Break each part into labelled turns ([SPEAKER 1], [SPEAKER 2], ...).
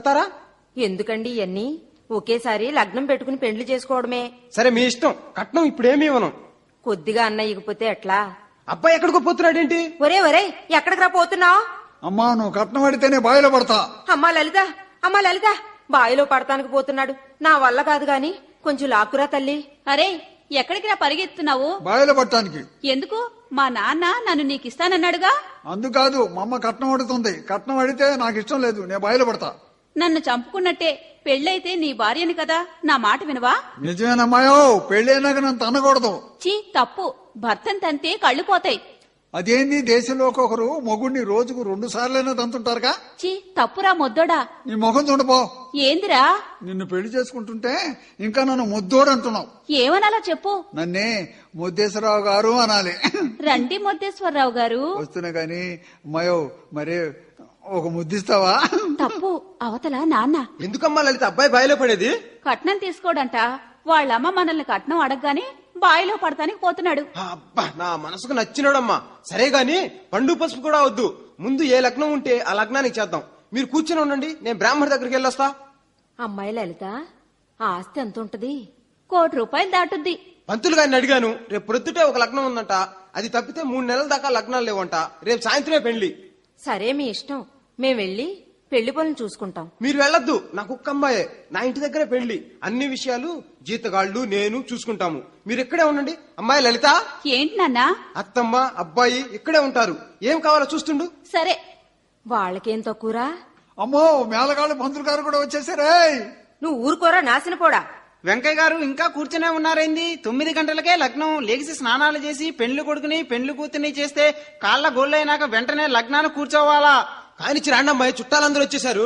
[SPEAKER 1] ఎందుకండి ఇవన్నీ? ఒకేసారి లగ్నం పెట్టుకుని పెండ్లి చేసుకోవడమే.
[SPEAKER 2] సరే మీ ఇష్టం. కట్నం ఇప్పుడేమీ ఇవ్వను.
[SPEAKER 1] కొద్దిగా అన్న ఇగిపోతే ఎట్లా?
[SPEAKER 2] అబ్బాయి ఎక్కడికో పోతున్నాడేంటి?
[SPEAKER 1] ఒరే ఒరే, ఎక్కడికి రా పోతున్నావు?
[SPEAKER 3] అమ్మా, నువ్వు కట్నం అడితేనే బావిలో పడతా.
[SPEAKER 1] అమ్మా లలిత, బావిలో పడతానికి పోతున్నాడు. నా వల్ల కాదు గాని కొంచెం లాక్కురా తల్లి.
[SPEAKER 4] అరే, ఎక్కడికి రా పరిగెత్తున్నావు?
[SPEAKER 3] బావిలో పడటానికి.
[SPEAKER 4] ఎందుకు? మా నాన్న నన్ను నీకిస్తానన్నాడుగా.
[SPEAKER 3] అందుకాదు, మా అమ్మ కట్నం అడుగుతుంది. కట్నం అడిగితే నాకు ఇష్టం లేదు, నేను బావిలో పడతా.
[SPEAKER 4] నన్ను చంపుకున్నట్టే. పెళ్ళైతే నీ భార్యని కదా, నా మాట వినవా?
[SPEAKER 3] నిజమేనమ్మాయో, పెళ్ళైనాక నన్ను తనకూడదు.
[SPEAKER 4] చీ, తప్పు. భర్తను తంతే కళ్ళు పోతాయి.
[SPEAKER 3] అదేంది, దేశంలో ఒక్కొక్కరు మొగుడిని రోజుకు 2 సార్లైనా తంతుంటారుగా.
[SPEAKER 4] చీ, తప్పురా మొద్దోడా.
[SPEAKER 3] నీ ముఖం చూడపో.
[SPEAKER 4] ఏందిరా?
[SPEAKER 3] నిన్ను పెళ్లి చేసుకుంటుంటే ఇంకా నన్ను ముద్దోడు అంటున్నావు.
[SPEAKER 4] ఏమనాలా చెప్పు.
[SPEAKER 3] నన్నే ముద్దేశ్వరరావు గారు అనాలి.
[SPEAKER 4] రండి మొద్దేశ్వరరావు గారు.
[SPEAKER 3] వస్తున్నా గాని అమ్మాయో, మరి ఒక ముద్దిస్తావా?
[SPEAKER 4] తప్పు, అవతల నాన్న.
[SPEAKER 2] ఎందుకమ్మా లలిత అబ్బాయి బావిలో పడేది?
[SPEAKER 4] కట్నం తీసుకోడంట. వాళ్ళమ్మ మనల్ని కట్నం అడగగానే బావిలో పడతానికి పోతున్నాడు.
[SPEAKER 2] అబ్బా, నా మనసుకు నచ్చినాడమ్మా. సరే గాని పండు పసుపు కూడా వద్దు. ముందు ఏ లగ్నం ఉంటే ఆ లగ్నానికి చేద్దాం. మీరు కూర్చొని ఉండండి, నేను బ్రాహ్మణి దగ్గరికి వెళ్ళొస్తా.
[SPEAKER 1] అమ్మాయి లలిత, ఆ ఆస్తి ఎంత ఉంటది?
[SPEAKER 4] 1 కోటి రూపాయలు దాటుద్ది.
[SPEAKER 2] పంతులు గారిని అడిగాను. రేపు ప్రొద్దుటే ఒక లగ్నం ఉందంట. అది తప్పితే 3 నెలల దాకా లగ్నాలు లేవంట. రేపు సాయంత్రమే పెళ్లి.
[SPEAKER 1] సరే మీ ఇష్టం. మేం వెళ్లి పెళ్లి పనులు చూసుకుంటాం.
[SPEAKER 2] మీరు వెళ్ళొద్దు, నా కుక్క అమ్మాయే. నా ఇంటి దగ్గరే పెళ్లి. అన్ని విషయాలు జీతగాళ్లు నేను చూసుకుంటాము. మీరు ఇక్కడే ఉండండి. అమ్మాయి లలిత.
[SPEAKER 4] ఏంటి నాన్నా?
[SPEAKER 2] అత్తమ్మ అబ్బాయి ఇక్కడే ఉంటారు. ఏం కావాలో చూస్తుండు.
[SPEAKER 4] సరే.
[SPEAKER 1] వాళ్ళకేం తక్కువరా?
[SPEAKER 3] అమ్మో, మేళగాళ్ళు పంతులు గారు కూడా వచ్చేసారే.
[SPEAKER 1] నువ్వు ఊరుకోరా నాశనపోడా.
[SPEAKER 5] వెంకయ్య గారు ఇంకా కూర్చునే ఉన్నారైంది? 9 గంటలకే లగ్నం. లేచి స్నానాలు చేసి పెండ్లి కొడుకుని పెండ్లి కూతుర్ని చేస్తే కాళ్ళ గోళ్ళైనాక వెంటనే లగ్నాన్ని కూర్చోవాలా?
[SPEAKER 2] కానిచ్చి రాండి అమ్మాయి, చుట్టాలందరూ వచ్చేసారు.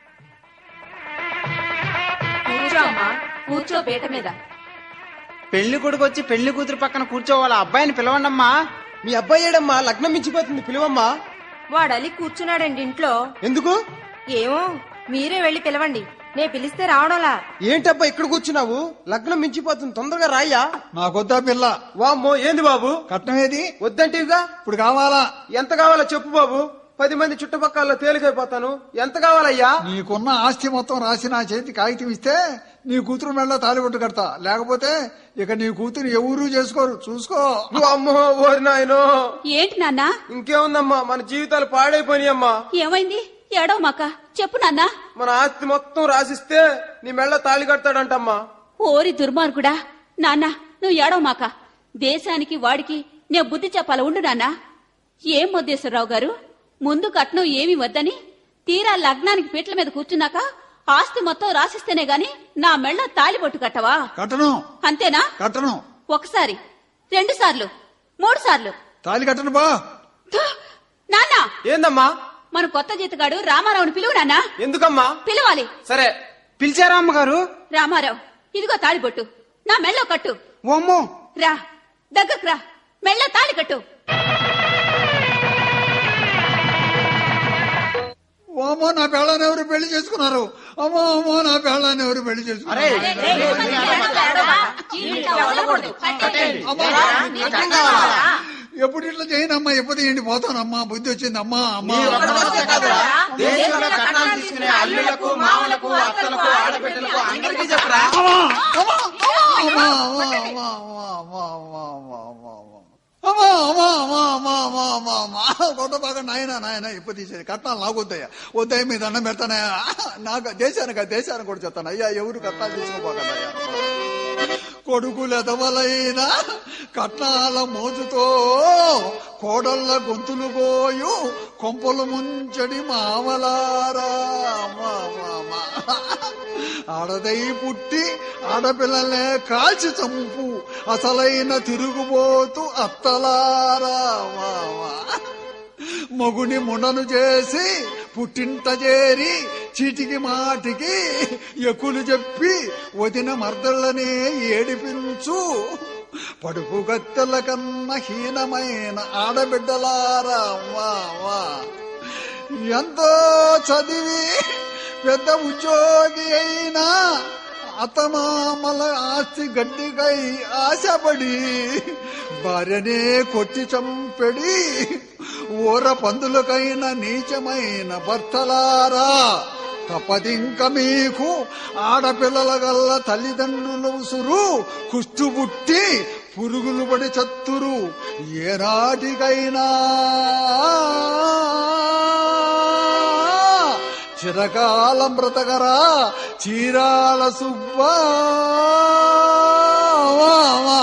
[SPEAKER 1] కూర్చో అమ్మా, కూర్చో పీట మీద.
[SPEAKER 5] పెళ్లి కొడుకు వచ్చి పెళ్లి కూతురు పక్కన కూర్చోవాలా? అబ్బాయిని పిలవండమ్మా.
[SPEAKER 2] మీ అబ్బాయి ఏడమ్మా? లగ్నం మించిపోతుంది, పిలువమ్మా.
[SPEAKER 1] వాడలి కూర్చున్నాడండి ఇంట్లో.
[SPEAKER 2] ఎందుకు?
[SPEAKER 1] ఏమో, మీరే వెళ్లి పిలవండి. నే పిలిస్తే రావడంలా.
[SPEAKER 2] ఏంటబ్బా ఇక్కడ కూర్చున్నావు? లగ్నం మించిపోతుంది, తొందరగా రాయ్యా.
[SPEAKER 3] నాకొద్దా పిల్ల.
[SPEAKER 2] వామ్మో, ఏంది బాబు?
[SPEAKER 3] కట్నం ఏది?
[SPEAKER 2] వద్దంటివిగా.
[SPEAKER 3] ఇప్పుడు కావాలా?
[SPEAKER 2] ఎంత కావాలో చెప్పు బాబు. 10 మంది చుట్టుపక్కల తేలికైపోతాను. ఎంత కావాలయ్యా?
[SPEAKER 3] నీకున్న ఆస్తి మొత్తం రాసి నా చేతి కాగితం ఇస్తే నీ కూతురు మెళ్ళ తాలిబొట్టు కడతా. లేకపోతే ఇక నీ కూతురు ఎవరూ చేసుకోరు, చూసుకో.
[SPEAKER 2] అమ్మో, ఓరి నాయనో.
[SPEAKER 4] ఏంటి నాన్నా?
[SPEAKER 2] ఇంకేముందమ్మా, మన జీవితాలు పాడైపోయినాయమ్మా.
[SPEAKER 4] ఏమైంది? ఏడవ మాక చెప్పు నాన్నా.
[SPEAKER 2] మన ఆస్తి మొత్తం రాసిస్తే నీ మెళ్ళ తాళి కడతాడంటమ్మా.
[SPEAKER 4] ఓరి దుర్మార్గుడా. నాన్న, నువ్వు ఏడవ మాక. దేశానికి వాడికి నే బుద్ధి చెప్పాల. ఉండు నాన్నా. ఏం మొద్దేశ్వరరావు గారు, ముందు కట్నం ఏమి వద్దని తీరా లగ్నానికి పీటల మీద కూర్చున్నాక ఆస్తి మొత్తం రాసిస్తేనే గాని నా మెళ్ళ తాలిబొట్టు కట్టవా?
[SPEAKER 3] కట్టను.
[SPEAKER 4] అంతేనా?
[SPEAKER 3] కట్టను.
[SPEAKER 4] 1 సారి, 2 సార్లు, 3 సార్లు
[SPEAKER 3] తాలి కట్టను బా.
[SPEAKER 4] నాన్న,
[SPEAKER 2] ఏందమ్మా?
[SPEAKER 4] మన కొత్త జీతగాడు రామారావుని పిలువు నాన్న.
[SPEAKER 2] ఎందుకమ్మా?
[SPEAKER 4] పిలవాలి.
[SPEAKER 2] సరే.
[SPEAKER 5] పిలిచారా అమ్మగారు?
[SPEAKER 4] రామారావు, ఇదిగో తాళిబొట్టు నా మెళ్ళో కట్టు.
[SPEAKER 5] ఓమ్మో.
[SPEAKER 4] రా, దగ్గరకు రా. మెళ్ళో తాళి కట్టు.
[SPEAKER 3] అమ్మో, నా పెళ్ళాన్ని ఎవరు పెళ్లి చేసుకున్నారు? అమ్మో అమ్మో, నా పెళ్ళాన్ని ఎవరు పెళ్లి చేసుకున్నారు? ఎప్పుడు ఇట్లా చేయనమ్మా, ఎప్పుడు ఏంటి పోతానమ్మా. బుద్ధి వచ్చింది అమ్మా. అమ్మా కొత్త బాగా నాయన ఇప్పుడు తీసేది. కట్నాలు నాకు వద్దయ్యా, వద్దయ్య మీద అన్నం పెడతానయ్యా. నాకు దేశానికి కూడా చెప్తాను. అయ్యా, ఎవరు కట్నాలు తీసుకోపోకన్నాయా. కొడుకులెదవలైన కట్నాల మోజుతో కోడళ్ళ గొంతులు పోయు కొంపలు ముంచడి మామలారా. ఆడదై పుట్టి ఆడపిల్లలే కాల్చి చంపు అసలైన తిరుగుబోతు అత్తలారా. మగుని మునను చేసి పుట్టింట చేరి చీటికి మాటికి ఎక్కులు చెప్పి వదిన మర్దళ్ళనే ఏడిపించు పడుపు గత్తెల కన్నా హీనమైన ఆడబిడ్డలారా. ఎంతో చదివి పెద్ద ఉద్యోగి అయినా అత్తమామల ఆస్తి గడ్డికై ఆశపడి భార్యనే కొట్టి చంపెడి ఊర పందులకైన నీచమైన భర్తలారా. తప్పదింక మీకు ఆడపిల్లల గల్ల తల్లిదండ్రుల ఉసురు కుష్టుబుట్టి పురుగులు పడి చత్తురు ఏనాటికైనా చిరకాలం బ్రతకరా చీరాల సుబ్బా